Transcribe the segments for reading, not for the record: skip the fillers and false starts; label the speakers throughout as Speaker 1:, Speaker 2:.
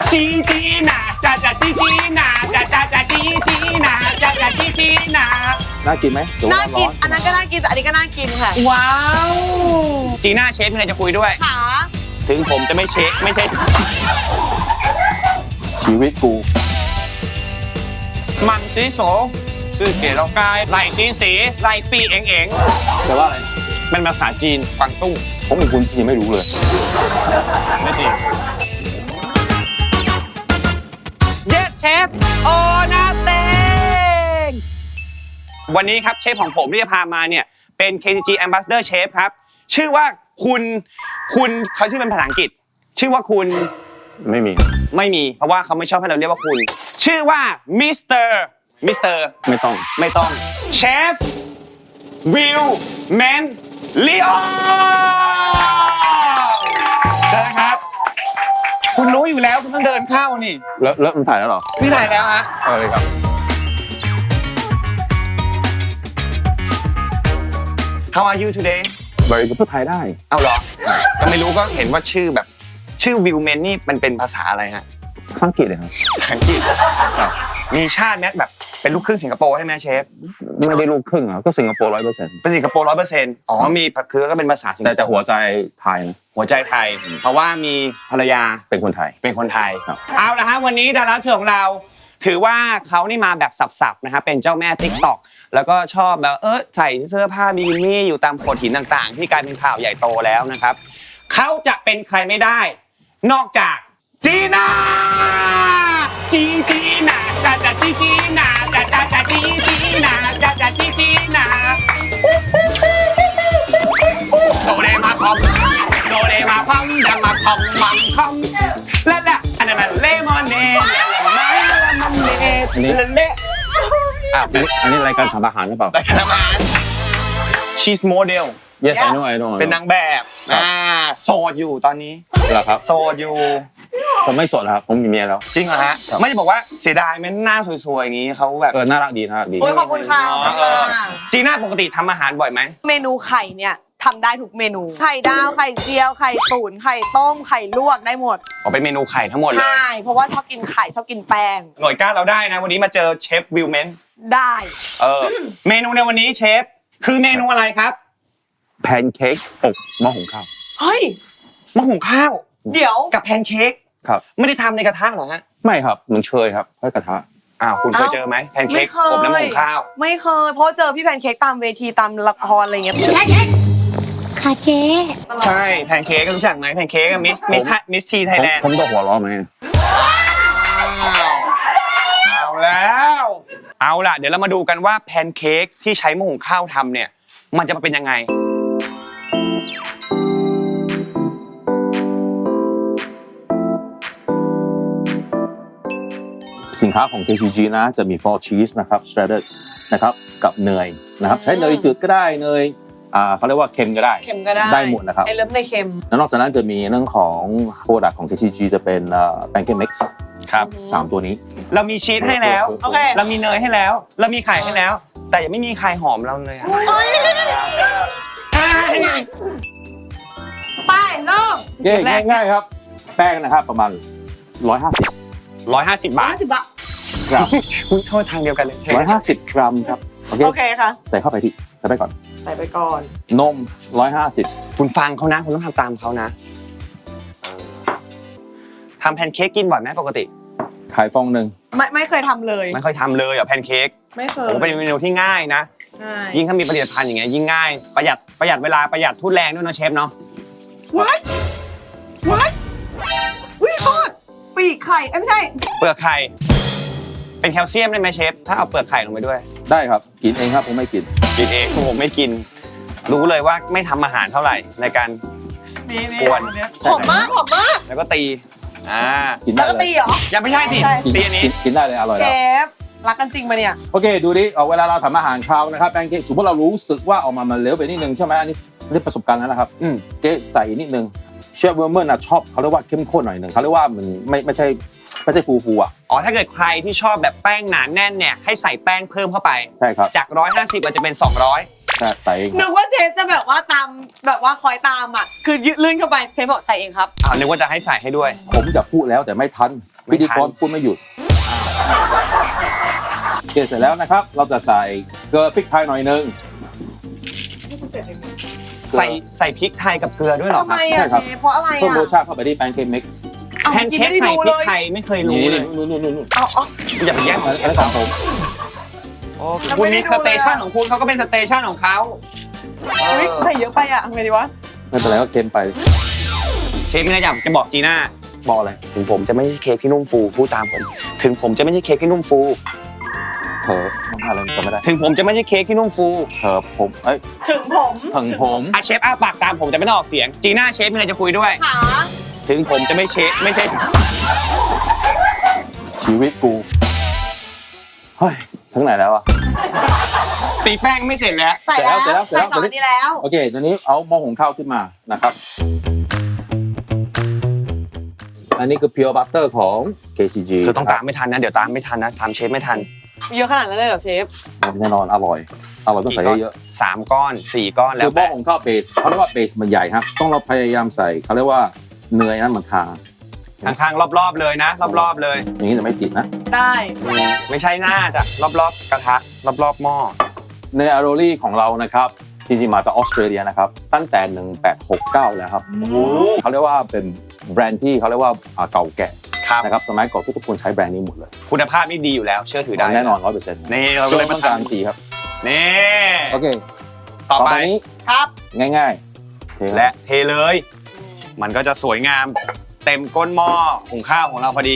Speaker 1: จีจีน่ะจ้าจ้าจีจีน่ะจ้าจ้าจ้าจีจีน่ะจ้าจ้าจีจีน่ะ
Speaker 2: น่ากินไหม
Speaker 3: น่ากินอันนั้นก็น่ากินแต่อันนี้ก็น่ากินค่ะ
Speaker 1: ว้าวจีน่าเชฟมีอะไรจะคุยด้วย
Speaker 3: ขา
Speaker 1: ถึงผมจะไม่เชฟไม่ใช่
Speaker 2: ชีวิตกู
Speaker 1: มังซีโสชื่อเก๋เรากายไหลจีนสีไหลปีเอ๋งเอ๋ง
Speaker 2: แต่ว่าอะไร
Speaker 1: เป็นภาษาจีนกวางตุ้ง
Speaker 2: ผมเป็นคนจีนไม่รู้เลย
Speaker 1: ไม่จริง Yes Chef โอนาเตงวันนี้ครับเชฟของผมที่จะพามาเนี่ยเป็น KCG Ambassador Chef ครับชื่อว่าคุณเขาชื่อเป็นภาษาอังกฤษชื่อว่าคุณ
Speaker 2: ไม่มี
Speaker 1: ไม่มีเพราะว่าเขาไม่ชอบให้เราเรียกว่าคุณชื่อว่ามิสเตอร์
Speaker 2: ไม่ต้อง
Speaker 1: เชฟวิลแมนลีโอเชิญครับคุณรู้อยู่แล้วคุณต้องเดินเข้านี่
Speaker 2: แล้วมันถ่ายแล้วเหรอ
Speaker 1: นี่ถ่ายแล้วฮะ
Speaker 2: เอาเลยครับ
Speaker 1: How are you today
Speaker 2: บริการพูดไทยได้
Speaker 1: เอาเหรอก็ไม่รู้ก็เห็นว่าชื่อแบบชื่อวิลแมนนี่มันเป็นภาษาอะไรฮะ
Speaker 2: ภาษาอังกฤษเลยครับ
Speaker 1: ภาษาอังกฤษมีชาติแม้แบบเป็นลูกครึ่งสิงคโปร์ใช่ไหมเชฟ
Speaker 2: ไม่ได้ลูกครึ่งอ่ะก็สิงคโปร์100%
Speaker 1: เป็นสิงคโปร์100%อ๋อมีคือก็เป็นภาษาสิงคโปร์
Speaker 2: แต่หัวใจไทยนะ
Speaker 1: หัวใจไทย เพราะว่ามีภรรยา
Speaker 2: เป็นคนไทย
Speaker 1: เป็นคนไทย
Speaker 2: ครับ
Speaker 1: เอาละฮะวันนี้ดาราเชิญของเราถือว่าเขานี่มาแบบสับๆนะครับเป็นเจ้าแม่ TikTok แล้วก็ชอบแบบใส่เสื้อผ้าบิกินี่อยู่ตามโขดหินต่างๆ ที่กลายเป็นข่าวใหญ่โตแล้วนะครับเขาจะเป็นใครไม่ได้ นอกจากจีน่าจีน่าจ้าจ้าจีน่าจ้าจ้าจ้าจีน่าจ้าจ้าจีน่าโดเรมาคอมโดเรมาคอมดังมาคอมมังคอมและอันนั้นมันเลมอนเนดเลมอนเนดเละ
Speaker 2: อันนี้รายการทำอาหารหรือเปล่า
Speaker 1: แต่ขนาดนั้น she's model
Speaker 2: Yes I know
Speaker 1: เป็นนางแบบโสดอยู่ตอนนี้
Speaker 2: เหรอครับ
Speaker 1: โสดอยู่
Speaker 2: ผมไม่สดครับผมมีเมียแล้ว
Speaker 1: จริงเหรอฮะไม่จะบอกว่าเสียดายไหมหน้าสวยๆอย่างนี้เขาแบบ
Speaker 2: น่ารักดี
Speaker 3: โอ้ยขอบคุณค่ะ
Speaker 1: จีน่าปกติทำอาหารบ่อยไหม
Speaker 3: เมนูไข่เนี่ยทำได้ทุกเมนู ไข่ดาวไข่เจียวไข่ตุ๋นไข่ต้มไข่ลวกได้หมด
Speaker 1: เป็นเมนูไข่ทั้งหมดเลย
Speaker 3: ใช่เพราะว่าชอบกินไข่ชอบกินแป้ง
Speaker 1: หน่วยก้านเราได้นะวันนี้มาเจอเชฟวิลเมน
Speaker 3: ได้
Speaker 1: เมนูในวันนี้เชฟคือเมนูอะไรครับ
Speaker 2: แพนเค้กอบหม้อหุงข้าว
Speaker 3: เฮ้ย
Speaker 1: มะหุงข้าว
Speaker 3: เดี๋ยว
Speaker 1: กับแพนเค้ก
Speaker 2: ครับ
Speaker 1: ไม่ได้ทำในกระทะเหรอฮะ
Speaker 2: ไม่ครับมันเชยครับค่อยกระทะ
Speaker 1: คุณเคยเจอไหมแพนเค้กอบน้ำมะหุงข้าว
Speaker 3: ไม่เคยเพราะเจอพี่แพนเค้กตามเวทีตามละครอะไรเงี้ย
Speaker 4: ค่ะเจ๊
Speaker 1: ใช่แพนเค้กรู้จักไหมแพนเค้กมิสทีไทยแลนด์
Speaker 2: ผมต้องหัวเราะไหม
Speaker 1: เอาแล้วเอาล่ะเดี๋ยวเรามาดูกันว่าแพนเค้กที่ใช้มะหุงข้าวทำเนี่ยมันจะมาเป็นยังไง
Speaker 2: สินค้าของ KCG นะจะมี 4 cheese นะครับ shredded นะครับกับเนยนะครับใช้เนยจืดก็ได้เนยเขาเรียกว่าเค็มก็ได้
Speaker 3: เค็มก็ได้
Speaker 2: ได้หมดนะครับ
Speaker 3: ไอเลิฟในเค็ม
Speaker 2: แล้วนอกจากนั้นจะมีเรื่องของ product ของ KCG จะเป็นpancake mix
Speaker 1: ครับ
Speaker 2: 3 ตัวนี้
Speaker 1: เรามีชีสให้แล้ว
Speaker 3: โอเค
Speaker 1: เรามีเนยให้แล้ว เรามีไข่ให้แล้ว แต่ยังไม่มีไข่หอมเราเลยอะ
Speaker 3: ไปเริ่ม
Speaker 2: ง่ายๆครับ แป้งนะครับประมาณ 150
Speaker 1: 150 บาท
Speaker 3: 50 บาท
Speaker 2: กรัม
Speaker 1: คุณโทษทางเดียวกันเลย
Speaker 2: 150 กรัมครับโอเค
Speaker 3: โอเคค่ะ
Speaker 2: ใส่เข้าไปที่ใส่ไปก่อน
Speaker 3: ใส่ไปก่อน
Speaker 2: นม 150
Speaker 1: คุณฟังเขานะ คุณต้องทำตามเขานะทำแพนเค้กกินบ่อยไหมปกติ
Speaker 2: ไข่ฟองหนึ่ง
Speaker 3: ไม่เคยทำเลย
Speaker 1: ไม่ค่อยทำเลยแพนเค้ก
Speaker 3: ไม่เคย
Speaker 1: โอ้เป็นเมนูที่ง่ายนะ
Speaker 3: ใช่
Speaker 1: ยิ่งถ้ามีผลิตภัณฑ์อย่างเงี้ยยิ่งง่ายประหยัดเวลาประหยัดทุนแรงด้วยเนาะเชฟเนาะ
Speaker 3: ว้ายวิโคตรปีกไข่ไม่ใช่
Speaker 1: เปลือกไข่เป็นแคลเซียมได้ไหมเชฟถ้าเอาเปลือกไข่ลงไปด้วย
Speaker 2: ได้ครับกินเองครับผมไม่กิน
Speaker 1: กินเองผมไม่กิน รู้เลยว่าไม่ทำอาหารเท่าไหร่ในการ
Speaker 3: นี่
Speaker 1: กวน
Speaker 3: หอมมากหอมมาก
Speaker 1: แล้วก็ตี
Speaker 2: กิน
Speaker 3: แล้
Speaker 2: ได้
Speaker 3: วก็
Speaker 2: เล
Speaker 3: ตี
Speaker 2: ย
Speaker 3: เหรอ
Speaker 1: ยังไม่ใช่สิ
Speaker 3: ใช่
Speaker 1: ตีอันนี้
Speaker 2: กินได้เลยอร่อย
Speaker 3: เช
Speaker 2: แล้ว
Speaker 3: ฟรักกันจริงปะเนี่ย
Speaker 2: โอเคดูดิเวลาเราทำอาหารคาวนะครับแป้งเค้กสมมติเรารู้สึกว่าออกมามันเหลวไปนิดนึงใช่ไหมอันนี้ประสบการณ์แล้วนะครับเก๊ใส่นิดนึงเชฟเวอร์เมอร์นะชอบเขาเรียกว่าเข้มข้นหน่อยหนึ่งเขาเรียกว่ามันไม่ใช่ฟูอ่ะ
Speaker 1: ถ้าเกิดใครที่ชอบแบบแป้งหนาแน่นเนี่ยให้ใส่แป้งเพิ่มเข้าไป
Speaker 2: ใช่ครับ
Speaker 1: จาก150อาจจะเป็น200
Speaker 2: ใช่ใส่เอง
Speaker 3: นึกว่าเชฟจะแบบว่าตามแบบว่าคอยตามอ่ะคือยืดลื่นเข้าไปเชฟบอกใส่เองครับ
Speaker 1: นึกว่าจะให้ใส่ให้ด้วย
Speaker 2: ผมจะพูดแล้วแต่ไม่ทันพิธีกรพูดไม่หยุดโอเคเสร็จแล้วนะครับ เราจะใส่เกลือพริกไทยหน่อยนึง
Speaker 1: ใส่พริกไทยกับเกลือด้วยเหรอ
Speaker 3: ทำ
Speaker 1: ค
Speaker 3: ไม
Speaker 1: รับ
Speaker 3: อ่ะเชฟเพราะอะไร
Speaker 2: เพิ่ม
Speaker 3: อ่ะ
Speaker 2: รสชาติเข้าไปที่แป้งเค้กมิกซ์
Speaker 1: แพนเค้กใส่พริกไทยไม่เคยรู้
Speaker 2: นี่
Speaker 1: เลย
Speaker 2: นู่น
Speaker 3: เอา
Speaker 1: อย่าไปแย่งของ
Speaker 2: อันนี้ของผม
Speaker 1: โอ้คุณมีสเตชันของคุณเขาก็เป็นสเตชันของเขา
Speaker 3: อุ๊ยใส่เยอะไปอ่ะทำไงดีวะ
Speaker 2: ไม่เป็นไรก็เค็มไป
Speaker 1: เชฟมีอะไรอยากจะบอกจีน่า
Speaker 2: บอกอะไร
Speaker 1: ถึงผมจะไม่ใช่เค้กที่นุ่มฟูพูดตามผม ถึงผมจะไม่ใช่เค้กที่นุ่มฟู
Speaker 2: เถอะมันอะไรจำไม่ได้
Speaker 1: ถึงผมจะไม่ใช่เค้กที่นุ่มฟู
Speaker 2: เถอะผมเอ้ย
Speaker 3: ถึงผม
Speaker 2: ถึงผม
Speaker 1: อ่ะเชฟอ้าปากตามผมจะไม่ต้องออกเสียงจีน่าเชฟมีอะไรจะคุยด้วย
Speaker 3: ขา
Speaker 1: ถึงผมจะไม่ใช่
Speaker 2: ชีวิตกูเฮ้ยถึงไหนแล้วอะ
Speaker 1: ตีแป้งไม่เสร็จแล้ว
Speaker 3: ใส่แล้ว
Speaker 2: เสร็จแล้ว
Speaker 3: ใส่ต่ออันนี้แล้ว
Speaker 2: โอเคตอนนี้เอาหม้อหุงข้าวขึ้นมานะครับ อันนี้คือ pure butter ของ KCG
Speaker 1: คือต้องตามไม่ทันนะเดี๋ยวตามไม่ทันนะตามเชฟไม่ทัน
Speaker 3: เยอะขนาดนั้นเลยเหรอเชฟ
Speaker 2: แน่นอนอร่อยต้องใส่เยอะ
Speaker 1: 3 ก้อน 4 ก้อน
Speaker 2: ๆ
Speaker 1: แล้
Speaker 2: คื
Speaker 1: ว
Speaker 2: อหม้อ
Speaker 1: แต่
Speaker 2: หุงข้าวเบสเขาเรียกว่าเบสมันใหญ่ครับต้องเราพยายามใส่เขาเรียกว่าเนยนั้นมันทา
Speaker 1: ข้างๆรอบๆเลยนะ รอบๆเลย
Speaker 2: อย่างนี้จะไม่ติดนะ
Speaker 3: ได้
Speaker 1: ไม่ใช่หน้าจ้ะรอบๆกระทะรอบๆหม้อ
Speaker 2: เนยอาโรลี่ของเรานะครับจริงๆมาจากออสเตรเลียนะครับตั้งแต่ 1869 แล้วครับเขาเรียกว่าเป็นแบรนด์ที่เขาเรียกว่าเก่าแก่
Speaker 1: ครับ
Speaker 2: นะครับสมัยก่อนทุกคนใช้แบรนด์นี้หมดเลย
Speaker 1: คุณภาพนี่ดีอยู่แล้วเชื่อถือได้
Speaker 2: แน่นอน 100%
Speaker 1: นี่เราก็
Speaker 2: ก็
Speaker 1: เล
Speaker 2: เลย ย
Speaker 1: มา
Speaker 2: ต้องการ
Speaker 1: ทำ
Speaker 2: ทีครับ
Speaker 1: นี่
Speaker 2: โอเค
Speaker 1: ต่อไป
Speaker 2: นี้
Speaker 3: ครับ
Speaker 2: ง่ายๆเทครับ
Speaker 1: และเทเลย มันก็จะสวยงามเต็มก้นหม้อหุงข้าวของเราพอดี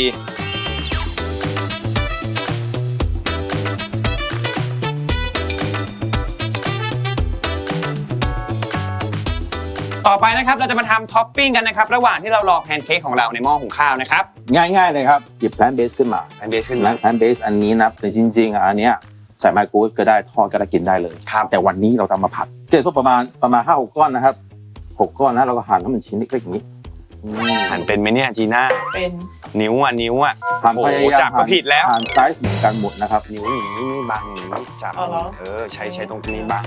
Speaker 1: ต่อไปนะครับเราจะมาทำท็อปปิ้งกันนะครับระหว่างที่เรารอแพนเค้กของเราในหม้อหุงข้าวนะครับ
Speaker 2: ง่ายๆเลยครับหยิบแพลนเบสขึ้นมา
Speaker 1: แพนเบสขึ้น
Speaker 2: แล้
Speaker 1: มาว
Speaker 2: แพลนเบสอันนี้นะแต่จริงๆอันเนี้ยใส่ไมโครเวฟก็ได้ทอดก็ได้กินได้เลย
Speaker 1: ครับ
Speaker 2: แต่วันนี้เราทำมาผัดเจ๊ส้มประมาณ 5-6 ก้อนนะครับ6 ก้อนนะเราก็หั่นให้มันชิ้นเล็กๆอย่างนี้
Speaker 1: หั่นเป็นไหมเนี่ยจีน่า
Speaker 3: เป็น
Speaker 1: นิ้วอ่ะนิ้วอ่ะ
Speaker 2: หั่น
Speaker 1: โอ้
Speaker 2: พ
Speaker 1: โห
Speaker 2: ยายาม
Speaker 1: จับก็ผิดแล้ว
Speaker 2: หั่นไซส์เหมือนกันหมดนะครับ
Speaker 1: นิ้วอย่างนี้ไม่บังอย่างนี้จับใช้ตรงนี้บัง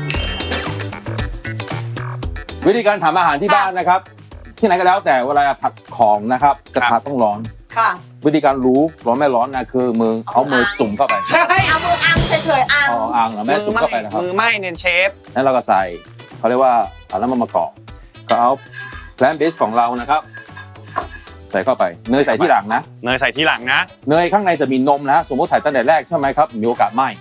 Speaker 2: วิธีการทำอาหารที่บ้านนะครับ ที่ไหนก็แล้วแต่เวลาผัดของนะครับกระทะต้องร้อน
Speaker 3: ค่ะ
Speaker 2: วิธีการรู้ร้อนไม่ร้อนนะคือมือเอามือจุ่มเข้าไป
Speaker 3: เอามืออังเฉยๆอัง
Speaker 2: เอาอ่างหรือแม่จุ่มเข้าไปนะครับ
Speaker 1: มือไหม้เนี่ยเชฟ
Speaker 2: แล้วเราก็ใส่เขาเรียกว่าเอาน้ำมันมะกอกก็เอาแพลนเบสของเรานะครับ ใส่เข้าไปเนยใส่ที่หลังนะ
Speaker 1: เนยใส่ทีหลังนะ
Speaker 2: เนยข้างในจะมีนมนะสมมติใส่ตั้งแต่แรกใช่ไหมครับมีโอกาสไหม้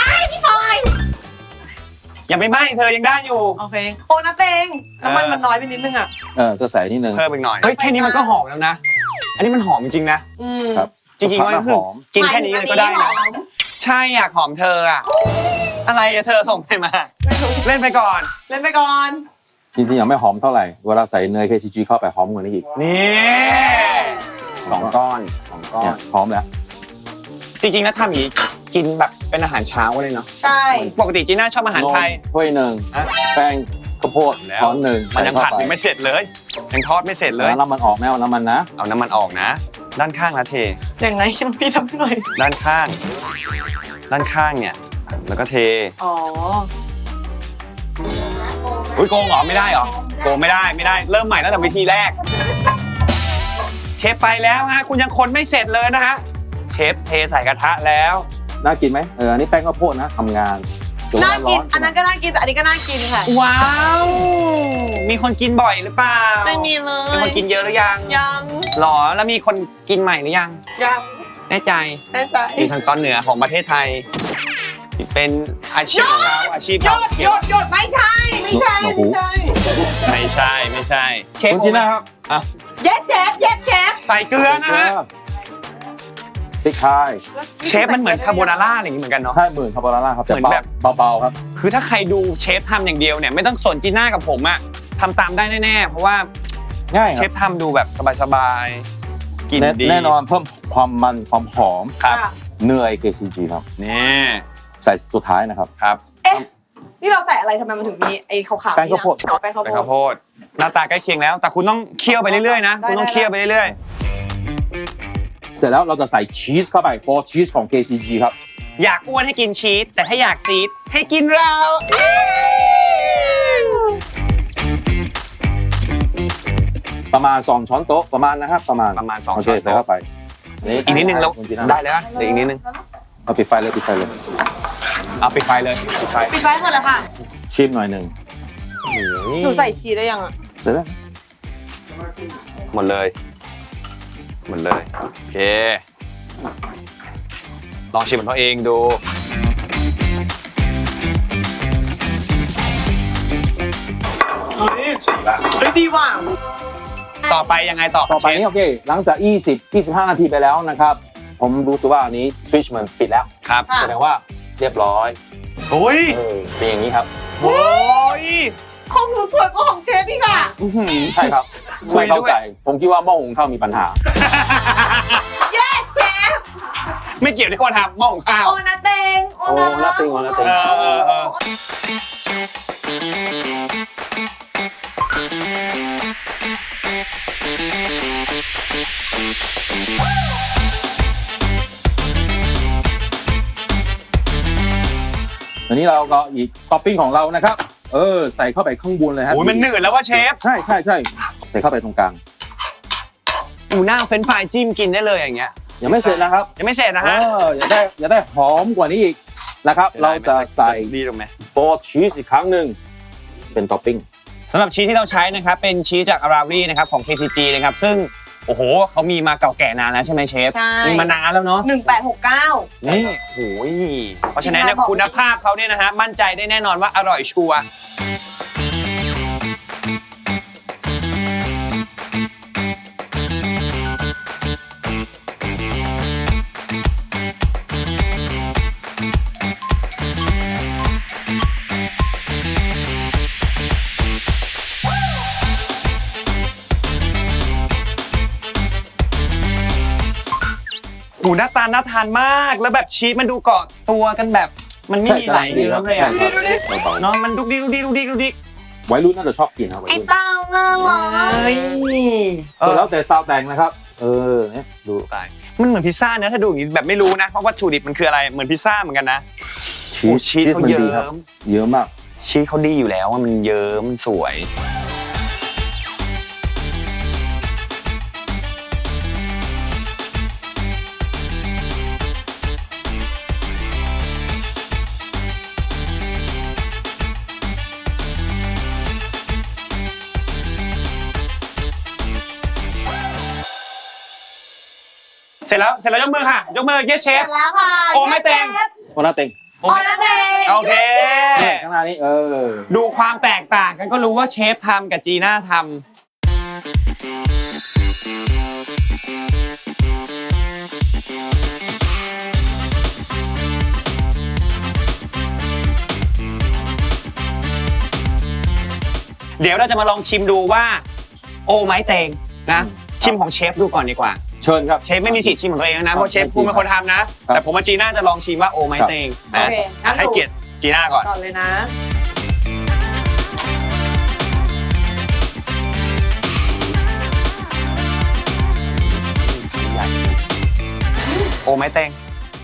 Speaker 1: ยังไม่ไหม้เธอยังได้อยู่
Speaker 3: โอเคโอ้นะเตงน้ำมันมันน้อยไปนิดนึงอ่ะ
Speaker 2: ก็ใส่นิดนึง
Speaker 1: เพิ่มอีกหน่อยเฮ้ยแค่นี้มันก็หอมแล้วนะ อันนี้มันหอมจริงๆนะ
Speaker 3: อืม
Speaker 2: ครับ
Speaker 1: จริงๆก็คือ
Speaker 2: หอม
Speaker 1: กินแค่นี้เลยก็ได้นะ ใช่อยากหอมเธออะอะไรอะเธอส่งไปมา เล่นไปก่อน
Speaker 3: เล่นไปก่อน
Speaker 2: จริงๆยังไม่หอมเท่าไหร่เวลาใส่เนย KCG เข้าไปหอมกว่านี้อีก
Speaker 1: นี่2 ก้อน
Speaker 2: เนี่ยหอมแล้ว
Speaker 1: จริงๆแล้วทำอย่างนี้กินแบบเป็นอาหารเช้าเลยเนาะ
Speaker 3: ใช่
Speaker 1: ปกติจีน่าชอบอาหารไทย
Speaker 2: นมถ้วยหนึ่ง
Speaker 1: อะ
Speaker 2: แป้งข้าวโพด
Speaker 1: แล้ว
Speaker 2: ช้อนหนึ่ง
Speaker 1: มันยัง
Speaker 2: ใส่
Speaker 1: ผัด
Speaker 2: เข้า
Speaker 1: ยัง
Speaker 2: ไป
Speaker 1: ไม่เสร็จเลยยังทอดไม่เสร็จเลย
Speaker 2: แล้วน้ำมันออกแม่เอาน้ำมันนะ
Speaker 1: เอาน้ำมันออกนะ ด้านข้างละเท
Speaker 3: อย่างไรพี่ทำให้หน่อย
Speaker 1: ด้านข้างเนี่ย แล้วก็เท
Speaker 3: อ๋อ
Speaker 1: อุ้ยโกงเหรอไม่ได้เหรอโกงไม่ได้เริ่มใหม่ตั้งแต่วิธีแรก เชฟไปแล้วฮะคุณยังคนไม่เสร็จเลยนะฮะเชฟเทใส่กระทะแล้ว
Speaker 2: น่ากินไหมอันนี้แป้งข้าวโพดนะทำงานจ
Speaker 3: น่า
Speaker 2: ร้
Speaker 3: กิ
Speaker 2: อน
Speaker 3: อันนั้นก็น่ากินแต่อันนี้ก็น่ากินค่ะ
Speaker 1: ว้าว มีคนกินบ่อยหรือเปล่า
Speaker 3: ไม่มีเล
Speaker 1: มี
Speaker 3: ย
Speaker 1: คนกินเยอะหรือยัง
Speaker 3: ยัง
Speaker 1: หรอแล้วมีคนกินใหม่หรือยัง
Speaker 3: ยัง
Speaker 1: แน่ใจ
Speaker 3: แน่ใจ
Speaker 1: อยู่ทางตอนเหนือของประเทศไทย เป็นอาชีพของเราอาชีพ
Speaker 3: หยุ
Speaker 1: เรา
Speaker 3: ดหยุดหยุดไม่ใช่ไม่ใช่ไม่ใช่
Speaker 1: ไม่ใช่เชฟ
Speaker 2: คุณจีน่าครับ
Speaker 1: อ่ะ
Speaker 3: yes chef yes chef
Speaker 1: ใส่เกลือนะฮะ
Speaker 2: พริกไทย
Speaker 1: เชฟมันเหมือนคาโบนาร่าอะไรอย่างนี้เหมือนกันเนาะ
Speaker 2: ใช่หมื่นคาโบนาร่าครับแต่
Speaker 1: เหมือนแบบ
Speaker 2: เบาๆครับ
Speaker 1: คือถ้าใครดูเชฟทำอย่างเดียวเนี่ยไม่ต้องสนจีน่ากับผมอะทำตามได้แน่ๆเพราะว่า
Speaker 2: ง่าย
Speaker 1: เช
Speaker 2: ครั
Speaker 1: ฟ
Speaker 2: บ
Speaker 1: ทำดูแบบสบายๆกินดี
Speaker 2: แน่นอนเพิ่มความมันความหอม
Speaker 1: ครับ
Speaker 2: เนย KCG ครับ
Speaker 1: นี่
Speaker 2: ใส่สุดท้ายนะครับ
Speaker 1: ครับ
Speaker 3: เอ๊ะนี่เราใส่อะไรทำไมมันถึงมีไอ้ขาวๆ
Speaker 2: แป้งข้าวโพด
Speaker 3: อ๋อแป้งข้าว
Speaker 1: เป็น
Speaker 3: โพ
Speaker 1: ข้า
Speaker 3: ด
Speaker 1: วโพดหน้าตาใกล้เคียงแล้ว แต่คุณต้องเคี่ยวไปเรื่อยๆนะคุณต้องเคี่ยวไปเรื่อย
Speaker 2: เสร็จแล้วเราจะใส่ชีสเข้าไปเพราะชีสของ KCG ครับ
Speaker 1: ๆอยากอ้วนให้กินชีสแต่ถ้าอยากซีดให้กินเรา
Speaker 2: ประมาณ2ช้อนโต๊ะประมาณนะครับประมาณ
Speaker 1: ประมาณ2
Speaker 2: โอเค
Speaker 1: ช้อน
Speaker 2: ใส่
Speaker 1: โต๊ะ
Speaker 2: เข้าไป
Speaker 1: อีกนิดนึงแล้ว
Speaker 2: คุณจีน่า
Speaker 1: ได้แล้วเดี๋ยวอีกนิดนึง
Speaker 2: เอาปิดไฟเลยปิดไฟเลย
Speaker 1: เอาปิดไฟเลยปิดไฟ
Speaker 3: ปิดไว้หมดเลยค่ะ
Speaker 2: ชิมหน่อยหนึ่ง
Speaker 3: หนูใส่ชีสได้ยังอ่ะ
Speaker 2: เสร็จแล้ว
Speaker 1: หมดเลยหมดเลยโอเคลองชิมของตัวเองดู
Speaker 3: เฮ้ยดีว่ะ
Speaker 1: ต่อไปยังไงต่อ
Speaker 2: ต่อไปนี้โอเคหลังจาก25 นาทีไปแล้วนะครับ ผมรู้สึกว่าอันนี้สวิตช์มันปิดแล้ว
Speaker 1: ครับ
Speaker 2: แสดงว่าเรียบร้อย
Speaker 1: โอ้ย
Speaker 2: เป็นอย่างนี้ครับ
Speaker 1: โอ้ย
Speaker 3: ของหนูสวยกว่าของเชฟอีกอ่ะ
Speaker 2: ใช่ครับ
Speaker 1: คุย
Speaker 2: ไม่เข้า
Speaker 1: ด้วย
Speaker 2: ใจผมคิดว่าหม้อหุงข้าวมีปัญหา
Speaker 3: เย้เชฟ
Speaker 1: ไม่เกี่ยวที่คนทำหม้อหุงข้าว
Speaker 3: โอนาเตง
Speaker 2: โอ้น่าติงโอนาเต็ง
Speaker 1: เออ
Speaker 2: อันนี้เราก็อีกท็อปปิ้งของเรานะครับ ใส่เข้าไปข้างบนเลยฮะ
Speaker 1: โอ้ยมันหนืดแล้วว่าเชฟ
Speaker 2: ใช่ใส่เข้าไปตรงกลาง
Speaker 1: อูหน้าเฟรนช์ฟรายจิ้มกินได้เลยอย่างเงี้ย
Speaker 2: ยังไม่เสร็จนะครับ
Speaker 1: ยังไม่เสร็จนะฮะ
Speaker 2: อย่าได้หอมกว่านี้อีกนะครับ เราจะใส่
Speaker 1: ดีตรงไหม
Speaker 2: โฟร์ชีสอีกครั้งหนึ่งเป็นท็อปปิ้ง
Speaker 1: สำหรับชีสที่เราใช้นะครับเป็นชีสจากอาราวีนะครับของ KCG นะครับซึ่งโอ้โหเขามีมาเก่าแก่นานแล้วใช่ไหมเชฟ
Speaker 3: ใช่
Speaker 1: มีมานานแล้วเนาะ
Speaker 3: 1869
Speaker 1: นี่โอ้ยเพราะฉะนั้นเนี่ยคุณภาพเขาเนี่ยนะฮะมั่นใจได้แน่นอนว่าอร่อยชัวร์หูหน้าตาน่าทานมากแล้วแบบชีสมันดูเกาะตัวกันแบบ มันไม่มีไหลเยิ้มเลยอ่ะ
Speaker 2: ใช่ครับ
Speaker 1: เนาะมันดุกดิกดุกดิกดุกดิกดุกดิก
Speaker 2: วัยรุ่นน่าจะชอบกินครับวัย
Speaker 3: ไอ้
Speaker 2: รุ่น
Speaker 3: เต้าน่ารัก
Speaker 1: เฮ้ย
Speaker 2: แล้วแต่ซาวแต่งนะครับ เนี่ยดู
Speaker 1: ตายมันเหมือนพิซซ่าเนอะถ้าดูอย่างนี้แบบไม่รู้นะเพราะวัตถุดิบมันคืออะไรเหมือนพิซซ่าเหมือนกันนะ โอ้ชีสเขา
Speaker 2: มัน
Speaker 1: เยิ้
Speaker 2: ดีครับ
Speaker 1: ม
Speaker 2: เยอะมาก
Speaker 1: ชีสเขาดีอยู่แล้วว่ามันเยิ้มมันสวยเสร็จแล้วยกมือค่ะ ยกมือเยสเช
Speaker 3: เสร็
Speaker 1: ฟ
Speaker 3: จแล้วค่ะ
Speaker 1: โอ้ไม่เต็ง
Speaker 2: โอนาเต็ง
Speaker 3: โอนาเตง
Speaker 1: โอเค
Speaker 2: ข้างหน้านี้
Speaker 1: ดูความแตกต่างกันก็รู้ว่าเชฟทำกับจีน่าทำเดี๋ยวเราจะมาลองชิมดูว่า โอไม้เตงนะชิมของเชฟดูก่อนดีกว่า
Speaker 2: เชิญครับ
Speaker 1: เชฟไม่มีสิทธิ์ชิมของตัวเองนะเพราะเชฟคุณเป็นคนทำนะ แต่ผมกับจีน่าจะลองชิมว่าโอไม้เตง
Speaker 3: โอ
Speaker 1: นะ
Speaker 3: เคงั้น
Speaker 1: ให้เกียรติจีน่าก่อน
Speaker 3: ก่อนเลยนะ
Speaker 1: โอไม้เตง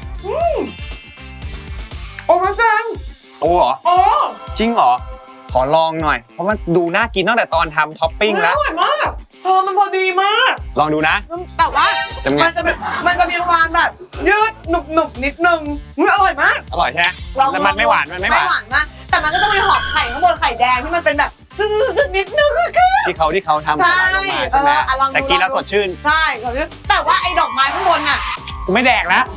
Speaker 3: โอนาเตง
Speaker 1: โอเหรอ
Speaker 3: โอ้
Speaker 1: จริงเหรอ ขอลองหน่อย เพราะว่าดูน่ากินตั้งแต่ตอนทำท็อปปิ้งแล้ว
Speaker 3: อร่อยมากมันพอดีมาก
Speaker 1: ลองดูนะ
Speaker 3: แต่ว่า
Speaker 1: จะไง
Speaker 3: มันจะมีความแบบยืดหนุบนิดนึงอร่อยมาก
Speaker 1: อร่อยใช่ไหม
Speaker 3: ลอง
Speaker 1: แต่มันไม่หวานมันไม่หวาน
Speaker 3: มากแต่มันก็จะมีหอมไข่ข้างบนไข่แดงที่มันเป็นแบบนิดนึงอะคือ
Speaker 1: ที่เขาทำ
Speaker 3: ใช่
Speaker 1: ลงมาใช่ไหม
Speaker 3: ลองดู
Speaker 1: แต่กินแล้วสดชื่น
Speaker 3: ใช่แต่ว่าไอ้ดอกไม้ข้างบนน่ะ
Speaker 1: กูไม่แดกแล้ว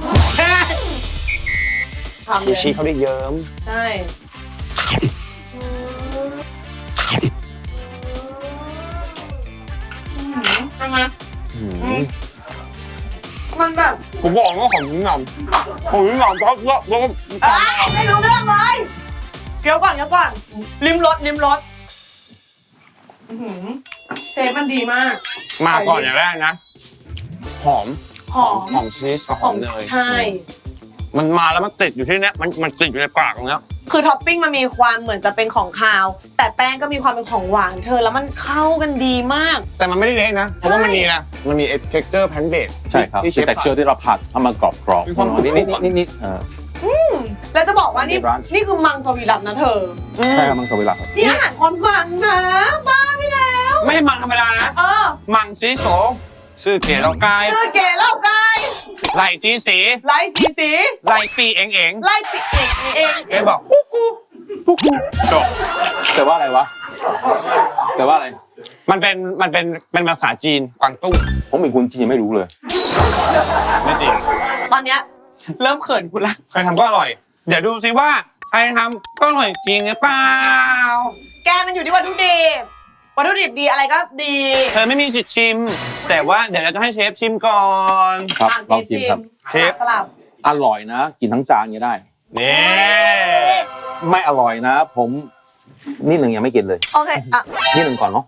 Speaker 3: ทำ
Speaker 1: ซู
Speaker 3: เลย
Speaker 1: ชิเขาได้เยิ้ม
Speaker 3: ใช่ใช่ไหมมันแบบ
Speaker 1: ผมบอกว่าของยิ่งหนำของยิ่งหนำก็
Speaker 3: ไม่รู้เรื่องเลยเคี้ยวก่อนลิ้มรสเชฟมันดีมาก
Speaker 1: มาก่อนอย่างแรกนะ หอมชีสกับหอมเนย
Speaker 3: ใช่
Speaker 1: มันมาแล้วมันติดอยู่ที่เนี้ยมันติดอยู่ในปากตรงเนี้ย
Speaker 3: คือท็อปปิ้งมันมีความเหมือนจะเป็นของคาว แต่แป้งก็มีความเป็นของหวานเธอแล้วมันเข้ากันดีมาก
Speaker 1: แต่มันไม่ได้เละนะ เพราะว่ามันมีนะมันมี texture pan base
Speaker 2: ใช่ครับ
Speaker 1: ที่เช
Speaker 2: คือ
Speaker 1: ฟ
Speaker 2: แต่เชื่อที่เราผัดให้มันกรอบ
Speaker 1: มีความกรุบ
Speaker 2: นิด
Speaker 3: แล้วจะบอกว่านี่
Speaker 2: ในร้าน
Speaker 3: นี่คือมังสวิรัตนะเธอ
Speaker 2: ใช่ครับมังสวิรัติครับ
Speaker 3: นี่อาหารคนมังนะบ้าไปแล้ว
Speaker 1: ไม่ใช่มังธรรมดานะ
Speaker 3: เออ
Speaker 1: มังซีโสซื่อเก๋เรากาย
Speaker 3: เธอเก๋เล่าไกาย
Speaker 1: ไหลสีสี
Speaker 3: ไล่สีสี
Speaker 1: ไหลปีเองเอง
Speaker 3: ไล่ปีเอง
Speaker 1: เก๋บอกกูจบ
Speaker 2: แต่ว่าอะไรวะแต่ว่าอะไร
Speaker 1: มันเป็นภาษาจีนกวางตุ้ง
Speaker 2: ผมเป็นคนจีนไม่รู้เลย
Speaker 1: ไม่จริง
Speaker 3: ตอนเนี้ยเริ่มเขินกูละ
Speaker 1: ใครทำก็อร่อย เดี๋ยวดูซิว่าใครทำก็อร่อยจริงหรือเปล่า
Speaker 3: แกมันอยู่ที่วัตถุดิบวัตถุดิบดีอะไรก็ดี
Speaker 1: เธอไม่มีสิทธิ์ชิม แต่ว่าเดี๋ยวเราจะให้เชฟชิมก่อน
Speaker 2: ครับ
Speaker 3: อ่ะ
Speaker 2: ลองชิมครับ
Speaker 1: เชฟ
Speaker 3: สลับ
Speaker 2: อร่อยนะ กินทั้งจานก็ได้
Speaker 1: นี่
Speaker 2: ไม่อร่อยนะ ผมนิดหนึ่งยังไม่กินเลย
Speaker 3: โอเคอ่ะ
Speaker 2: นิดหนึ่งก่อนเนาะ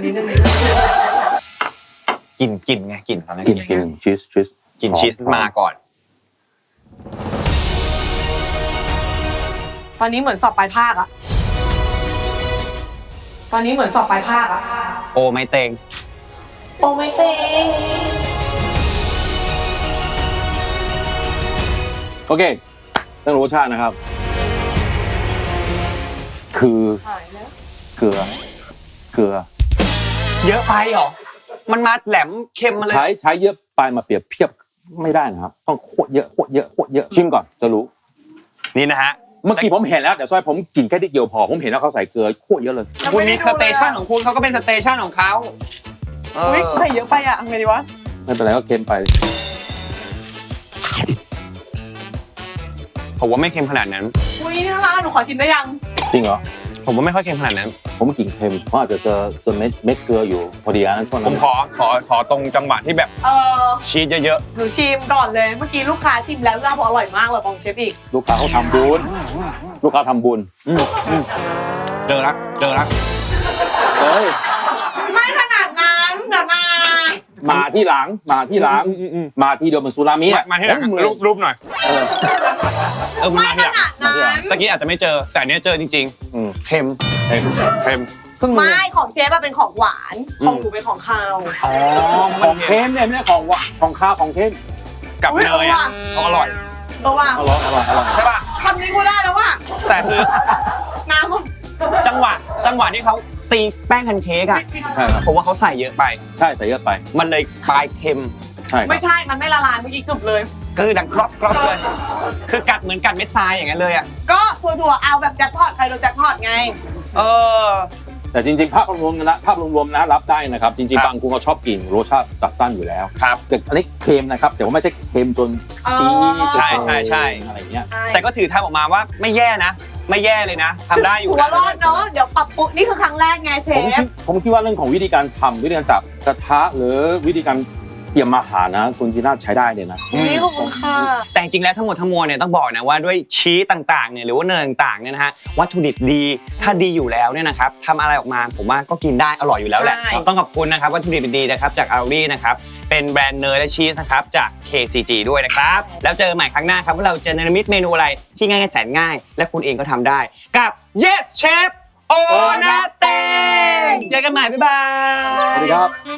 Speaker 1: กินไงกินตอนนั้น
Speaker 2: กินชีส
Speaker 1: กินชีสมาก่อน
Speaker 3: ตอนนี้เหมือนสอบปลายภาคอะตอนนี้เหมือนสอบปลายภาคอะ
Speaker 1: โอไม่เต็ง
Speaker 3: โอ้ไม่เต็ง
Speaker 2: โอเคเรื่องรสชาตินะครับ คือเกลือ
Speaker 1: เยอะไปเหรอ มันมาแหลมเค็มมาเลย
Speaker 2: ใช้เยอะไปมาเปรียบเทียบไม่ได้นะครับ ต้องโคตรเยอะชิมก่อนจะรู้
Speaker 1: นี่นะฮะ
Speaker 2: เมื่อกี้ผมเห็นแล้วแต่ซอยผมกินแค่นิดเดียวพอผมเห็นแล้วเขาใส่เกลือโคตรเยอะเลย
Speaker 1: คุณมีสเตชันของคุณเขาก็เป็นสเตชันของเขา
Speaker 3: อุ๊ยใส่เยอะไปอะทำไงดีวะ
Speaker 2: ไม่เป็นไรก็เค็มไป
Speaker 1: ผมว่าไม่เค็มขนาดนั้น
Speaker 3: อุ้ยน่ารักหนูขอชิมได้ยัง
Speaker 2: จริงเหรอ
Speaker 1: ผมว่าไม่ค่อยเค็มขนาดนั้น
Speaker 2: ผมกินเค็มเพราะอาจจะเจอเม็ดเกลืออยู่พอดีนะช่วง
Speaker 1: ผ
Speaker 2: นั้
Speaker 1: ม
Speaker 2: น
Speaker 1: ขอตรงจังหวะที่แบบ ชีสเยอะ
Speaker 3: หนูชิมก่อนเลย เมื่อกี้ลูกค้าชิมแล้วก็บอกอร่อยมากเลยของเชฟอีก
Speaker 2: ลูกค้าเขาทำบุญ
Speaker 1: ๆเจอละ
Speaker 2: เฮ้ย
Speaker 3: ไม่ขนาดนั้นเดี๋ยวมา
Speaker 2: มาที่หลังมาที่เดียวมันซูรามิ
Speaker 1: มาที่หลัง
Speaker 2: เหมือน
Speaker 1: รูปหน่อย มัน
Speaker 3: ไม่
Speaker 1: มา
Speaker 3: ข
Speaker 1: ที่หลัง
Speaker 3: นาดนั้น
Speaker 1: ตะกี้อาจจะไม่เจอ แต่อันเนี้ยเจอจริงๆ เค็ม เค็ม
Speaker 2: เพิ่งรู้
Speaker 3: ไม่ของเชฟอะเป็นของหวาน ของหนูเป็นของคาว
Speaker 1: อ๋อ
Speaker 2: ของเค็มเนี่ยไม่ใช่ของข้าวของเค็ม
Speaker 1: กับเนยอ่ะเขาอร่อย
Speaker 3: เพราะว่า
Speaker 2: อร่อย
Speaker 1: ใช่ป่ะ
Speaker 3: คำนี้กูได้แล้วว่า
Speaker 1: แต่คือ
Speaker 3: น้ำมัน
Speaker 1: จังหวะที่เขาตีแป้งแพนเค้กอ่ะ
Speaker 2: ใช่ครับ
Speaker 1: ผมว่าเขาใส่เยอะไป
Speaker 2: ใช่ใส่เยอะไป
Speaker 1: มันเลยปลายเค็ม
Speaker 2: ใช่ครับ
Speaker 3: ไม่ใช่ มันไม่ละลายเมื่อกี้กึบเลย
Speaker 1: คือดังกรอบเลย คือกัดเหมือนกัดเม็ดทรายอย่างนั้นเลยอ่ะ
Speaker 3: ก็ถั่วๆเอาแบบแจ็คพอตใครโดนแจ็คพอตไง
Speaker 1: เออ
Speaker 2: แต่จริงๆภาพรวมนะรับได้นะครับ จริง
Speaker 1: ครับ
Speaker 2: ๆบางคนเขาชอบกินรสชาติจัดจ้านอยู่แล้ว
Speaker 1: ครับ
Speaker 2: แต่อันนี้เค็มนะครับแต่ว่าไม่ใช่เค็มจนจี๊ด
Speaker 1: ใช่
Speaker 2: อะไรเงี้ย
Speaker 1: แต่ก็ถือทำออกมาว่าไม่แย่นะ ไม่แย่เลยนะทำได้อยู่
Speaker 3: ถือว่ารอดเนาะ เดี๋ยวปรับปรุงนี่คือครั้งแรกไงเชฟ
Speaker 2: ผมคิดว่าเรื่องของวิธีการทำวิธีการจับกระทะหรือวิธีการเตรียมอาหารนะคุณจีน่าใช้ได้เลยนะ
Speaker 3: นี่ขอบคุณค่ะ
Speaker 1: แต่จริงๆแล้วทั้งหมดทั้งมวลเนี่ยต้องบอกนะว่าด้วยชีสต่างๆเนี่ยหรือว่าเนยต่างๆเนี่ยนะฮะวัตถุดิบดีถ้าดีอยู่แล้วเนี่ยนะครับทำอะไรออกมาผมว่าก็กินได้อร่อยอยู่แล้วแหละ
Speaker 3: ใช่
Speaker 1: ต้องขอบคุณนะครับวัตถุดิบดีๆนะครับจากอารีนะครับเป็นแบรนด์เนยและชีสนะครับจาก KCG ด้วยนะครับแล้วเจอใหม่ครั้งหน้าครับว่าเราจะเนรมิตเมนูอะไรที่ง่ายๆแสนง่าย และคุณเองก็ทำได้กับ Yes Chef โอนาเตเจอกันใหม่บ๊ายบาย
Speaker 2: สวัสดีครับ